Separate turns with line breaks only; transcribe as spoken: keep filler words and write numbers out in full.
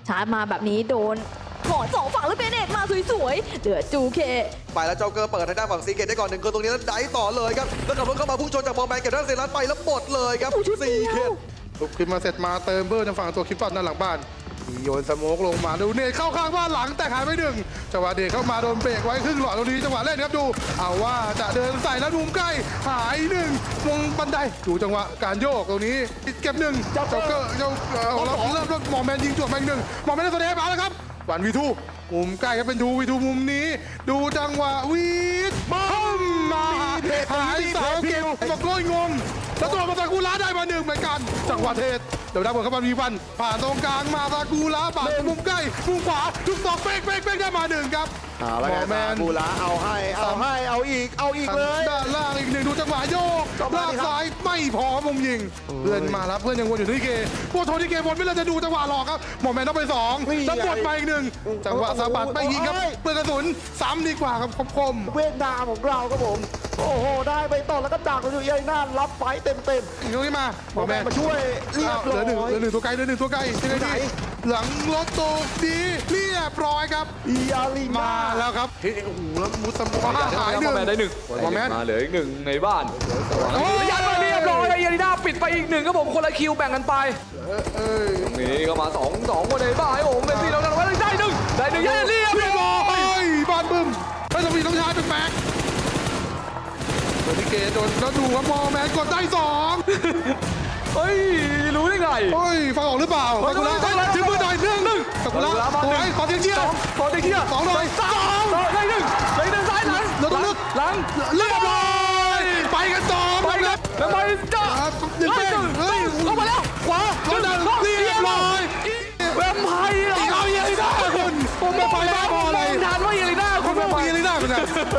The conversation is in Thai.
ชาร์จมาแบบนี้โดนถอนสองฝั่งแล้วเบเนตมาสวยๆเหลือจูเค
ไปแล้วเจ้าเกอร์เปิดทางด้านฝั่งซีเกตได้ก่อนหนึ่งคนตรงนี้แล้วไดต่อเลยครับแล้วขับรถเข้ามาพุ่งชนจากบอลแมนเก็บด้านเซรัสไปแล้วหมดเลยครับซีเกต
ลุกขึ้นมาเสร็จมาเติมเบอร์ทางฝั่งตัวคลิปตันด้านหลังบ้านโยนสโมกลงมาดูเนทเข้าข้างบ้านหลังแต่หายไปหนึ่งจังหวะเดทเข้ามาโดนเบรกไว้ครึ่งหลอดตรงนี้จังหวะเล่นครับดูเอาว่าจะเดินใส่แล้วมุมใกล้หายหนึ่งวงบันไดดูจังหวะการโยกตรงนี้เก็บหนึ่งเจ้าเกอร์เจ้าเริ่มเริ่มหมอแมนยิงจวดไปหนึ่งหมอแมนได้ตัวเดฟมาแล้วครับวันวีทูมุมใกล้ครับเป็นทูวีทูมุมนี้ดูจังหวะวีดบึ้มมาหายเสาเกมมาโกยงงแล้วตัวมาซากุระได้มาหนึ่งเหมือนกันจังหวะเทศเดี๋ยวได้บอลเข้ามามีวันผ่านตรงกลางมาซากุระผ่านมุมใกล้มุมขวาทุกสองเป๊กเป๊กเป๊กได้มาหนึ่งครับ
เอาละ
หม
ไง
อแมน
บูระเอาให้เอาให้เอาอีกเอาอีกเลย
ด้านล่างอีกหนึ่งดูจังหวะโยก
ก็มา
ลาก
ดิครับ
ซ้ายไม่พอมุมยิงเพื่อนมาแล้วเพื่อนยังวนอยู่ที่เกพวกโทนี่เกบนไม่เลยจะดูจังหวะหลอกครับหมอแมนต้องไปสองแล้วบดมาอีกหนึ่งจังหวะสะบัดไม่ยิงครับเปืนกระสุนซ้ำดีกว่าครับคม
เวียดนามของเราครับผมโอ้โหได้ไปต่อแล้วก็ดักอยู่ยัยน่านรับไฟเต็มเต็ม
ๆยกขึ้นมาห
ๆ
มอแมน
มาช่วยเรียบ
เหลื
ร้
อหนึ่ง
อย
เหลือหนึ่งตัวไกลเหลือหนึ่งตัวไกลยังไง
ไหน
ดีหลังรถตกดีเรียบร้อยครับ
อีอารี
มา
นา
แล้วครับเฮ้ยโอ้โหแล้วมุสมอหายหนึ่ง
แมนได้หนึ่ง
หมอแมน
มาเหลืออีกหนึ่งในบ้าน
โอ้ย
ยัดมาเรียบร้อยเยลิน่าปิดไปอีกหนึ่งครับผมคนละคิวแบ่งกันไป
เอ้ย
ตรงนี้ก็มาสองสองคนในบ้านโอ้โหเมสซี่เราดันไว้ได้หนึ่งได้หนึ่งยัดเรียบ
เรียบ
ร้
ร้
อ
อย ยบ้านบึ้มไม่ต้องมีต้องใช้เป็นแม็กโดนที่เกโดนแล้วดูครับมอแมนกดได้สอง
เฮ้ยรู้ได้ไง
เฮ้ยฟังออกหรือเปล่าซากุระถึงมือหน่อยหนึ่งซากุระสวยขอเสียงเชียร์
ขอเตะเชียร์
สองหน่อยสอง
ได้หนึ่งได้หนึ่งซ้ายหลัง
เราต้องลึก
หลัง
เรียบร้อยไปกันต่อ
ไปเลยแล้วไปจ้า
หนึ่งเป้งเฮ้ย
เข้ามาแล้วขวา
เราดันเรียบร้อย
แวมไพร์
อีกเอาเยลิน่าคุณผมไม่ไปบ้าพอเลย
ทานว่าเยลิน่า
คุ
คุณ ณ
ไม่
แวม
ไป
ไพ
เย
ร์
ลิน่าคุณนะ